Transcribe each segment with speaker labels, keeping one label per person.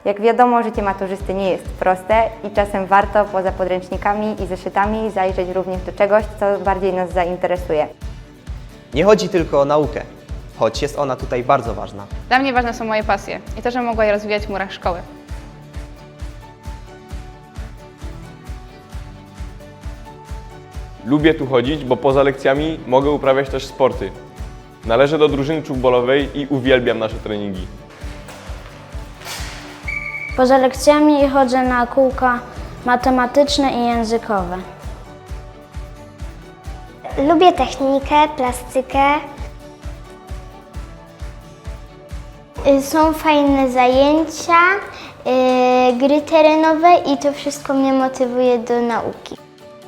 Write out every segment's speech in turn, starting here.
Speaker 1: Jak wiadomo, życie maturzysty nie jest proste i czasem warto poza podręcznikami i zeszytami zajrzeć również do czegoś, co bardziej nas zainteresuje.
Speaker 2: Nie chodzi tylko o naukę, choć jest ona tutaj bardzo ważna.
Speaker 3: Dla mnie ważne są moje pasje i to, że mogła je rozwijać w murach szkoły.
Speaker 4: Lubię tu chodzić, bo poza lekcjami mogę uprawiać też sporty. Należę do drużyny czubolowej i uwielbiam nasze treningi.
Speaker 5: Poza lekcjami chodzę na kółka matematyczne i językowe.
Speaker 6: Lubię technikę, plastykę. Są fajne zajęcia, gry terenowe i to wszystko mnie motywuje do nauki.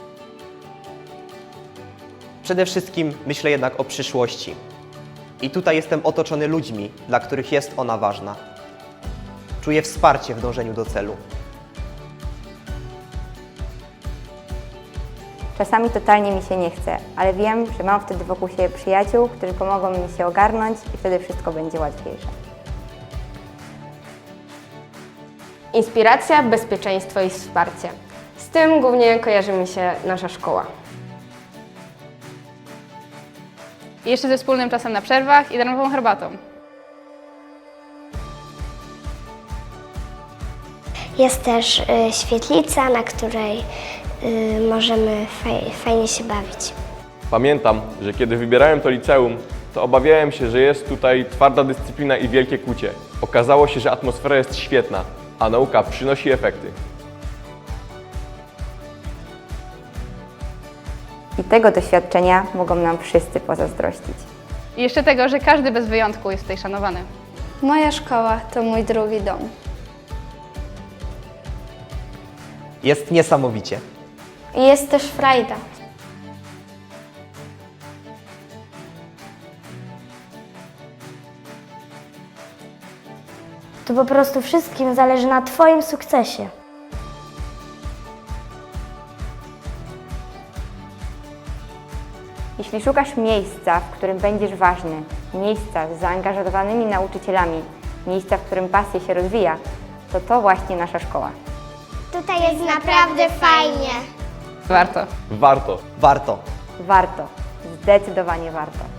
Speaker 2: Przede wszystkim myślę jednak o przyszłości. I tutaj jestem otoczony ludźmi, dla których jest ona ważna. Czuję wsparcie w dążeniu do celu.
Speaker 1: Czasami totalnie mi się nie chce, ale wiem, że mam wtedy wokół siebie przyjaciół, którzy pomogą mi się ogarnąć i wtedy wszystko będzie łatwiejsze.
Speaker 7: Inspiracja, bezpieczeństwo i wsparcie. Z tym głównie kojarzy mi się nasza szkoła.
Speaker 3: I jeszcze ze wspólnym czasem na przerwach i darmową herbatą.
Speaker 6: Jest też świetlica, na której możemy fajnie się bawić.
Speaker 4: Pamiętam, że kiedy wybierałem to liceum, to obawiałem się, że jest tutaj twarda dyscyplina i wielkie kucie. Okazało się, że atmosfera jest świetna, a nauka przynosi efekty.
Speaker 1: I tego doświadczenia mogą nam wszyscy pozazdrościć.
Speaker 3: I jeszcze tego, że każdy bez wyjątku jest tutaj szanowany.
Speaker 8: Moja szkoła to mój drugi dom.
Speaker 2: Jest niesamowicie.
Speaker 8: I jest też frajda.
Speaker 5: To po prostu wszystkim zależy na Twoim sukcesie.
Speaker 1: Jeśli szukasz miejsca, w którym będziesz ważny, miejsca z zaangażowanymi nauczycielami, miejsca, w którym pasja się rozwija, to właśnie nasza szkoła.
Speaker 6: Tutaj jest naprawdę fajnie.
Speaker 3: Warto.
Speaker 4: Warto!
Speaker 2: Warto.
Speaker 1: Warto, zdecydowanie warto.